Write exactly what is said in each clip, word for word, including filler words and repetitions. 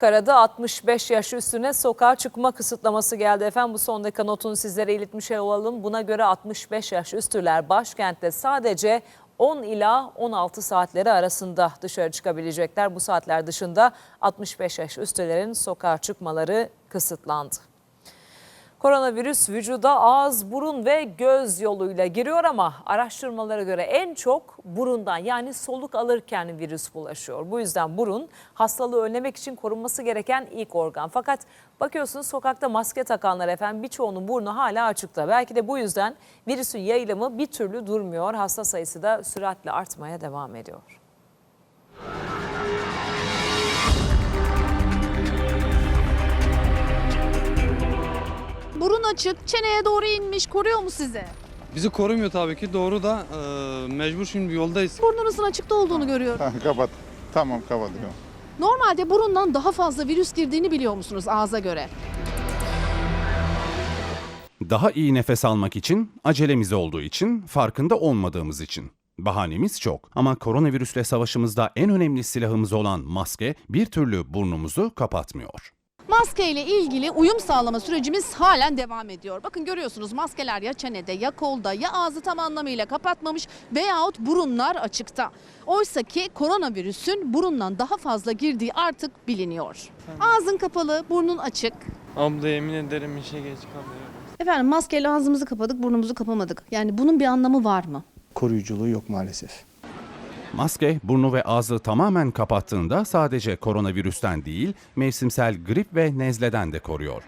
Ankara'da altmış beş yaş üstüne sokağa çıkma kısıtlaması geldi efendim. Bu son dakika notunu sizlere iletmiş olalım. Buna göre altmış beş yaş üstüler başkentte sadece on ila on altı saatleri arasında dışarı çıkabilecekler. Bu saatler dışında altmış beş yaş üstülerin sokağa çıkmaları kısıtlandı. Koronavirüs vücuda ağız, burun ve göz yoluyla giriyor ama araştırmalara göre en çok burundan, yani soluk alırken virüs bulaşıyor. Bu yüzden burun hastalığı önlemek için korunması gereken ilk organ. Fakat bakıyorsunuz sokakta maske takanlar efendim, birçoğunun burnu hala açıkta. Belki de bu yüzden virüsün yayılımı bir türlü durmuyor. Hasta sayısı da süratle artmaya devam ediyor. Burun açık, çeneye doğru inmiş. Koruyor mu sizi? Bizi korumuyor tabii ki. Doğru da e, mecbur şimdi yoldayız. Burnunuzun açıkta olduğunu görüyorum. Ha, kapat. Tamam kapatıyorum. Normalde burundan daha fazla virüs girdiğini biliyor musunuz ağza göre? Daha iyi nefes almak için, acelemiz olduğu için, farkında olmadığımız için. Bahanemiz çok ama koronavirüsle savaşımızda en önemli silahımız olan maske bir türlü burnumuzu kapatmıyor. Maske ile ilgili uyum sağlama sürecimiz halen devam ediyor. Bakın görüyorsunuz, maskeler ya çenede ya kolda ya ağzı tam anlamıyla kapatmamış veyahut burunlar açıkta. Oysa ki koronavirüsün burundan daha fazla girdiği artık biliniyor. Ağzın kapalı, burnun açık. Abla yemin ederim işe geç kalıyorum. Efendim maskeyle ağzımızı kapadık, burnumuzu kapamadık. Yani bunun bir anlamı var mı? Koruyuculuğu yok maalesef. Maske burnu ve ağzı tamamen kapattığında sadece koronavirüsten değil, mevsimsel grip ve nezleden de koruyor.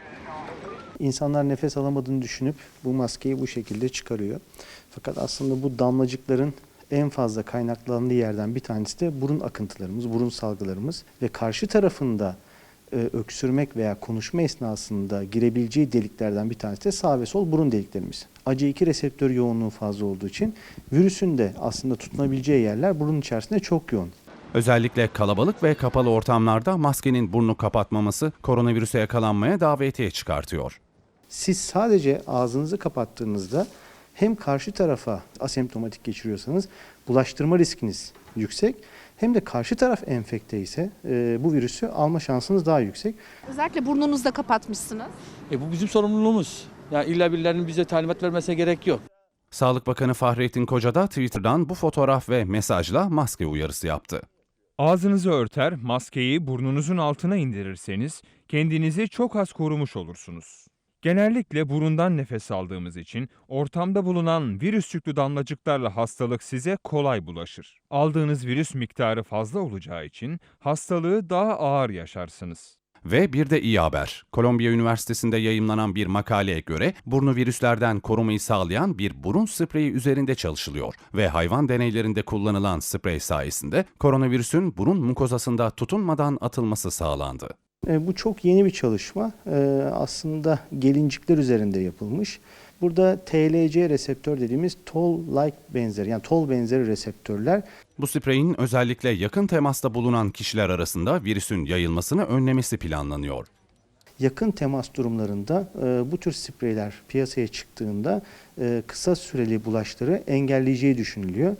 İnsanlar nefes alamadığını düşünüp bu maskeyi bu şekilde çıkarıyor. Fakat aslında bu damlacıkların en fazla kaynaklandığı yerden bir tanesi de burun akıntılarımız, burun salgılarımız ve karşı tarafında e, öksürmek veya konuşma esnasında girebileceği deliklerden bir tanesi de sağ ve sol burun deliklerimiz. A C iki reseptör yoğunluğu fazla olduğu için virüsün de aslında tutunabileceği yerler burun içerisinde çok yoğun. Özellikle kalabalık ve kapalı ortamlarda maskenin burnu kapatmaması koronavirüse yakalanmaya davetiye çıkartıyor. Siz sadece ağzınızı kapattığınızda hem karşı tarafa asemptomatik geçiriyorsanız bulaştırma riskiniz yüksek, hem de karşı taraf enfekte ise e, bu virüsü alma şansınız daha yüksek. Özellikle burnunuzda kapatmışsınız. E bu bizim sorumluluğumuz. Yani illa birilerinin bize talimat vermesine gerek yok. Sağlık Bakanı Fahrettin Koca da Twitter'dan bu fotoğraf ve mesajla maske uyarısı yaptı. Ağzınızı örter, maskeyi burnunuzun altına indirirseniz kendinizi çok az korumuş olursunuz. Genellikle burundan nefes aldığımız için ortamda bulunan virüs yüklü damlacıklarla hastalık size kolay bulaşır. Aldığınız virüs miktarı fazla olacağı için hastalığı daha ağır yaşarsınız. Ve bir de iyi haber. Kolombiya Üniversitesi'nde yayımlanan bir makaleye göre burnu virüslerden korumayı sağlayan bir burun spreyi üzerinde çalışılıyor ve hayvan deneylerinde kullanılan sprey sayesinde koronavirüsün burun mukozasında tutunmadan atılması sağlandı. E, bu çok yeni bir çalışma. E, aslında gelincikler üzerinde yapılmış. Burada T L C reseptör dediğimiz toll-like benzeri, yani toll benzeri reseptörler. Bu spreyin özellikle yakın temasta bulunan kişiler arasında virüsün yayılmasını önlemesi planlanıyor. Yakın temas durumlarında e, bu tür spreyler piyasaya çıktığında e, kısa süreli bulaşları engelleyeceği düşünülüyor.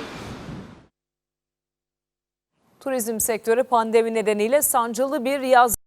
Turizm sektörü pandemi nedeniyle sancılı bir yaz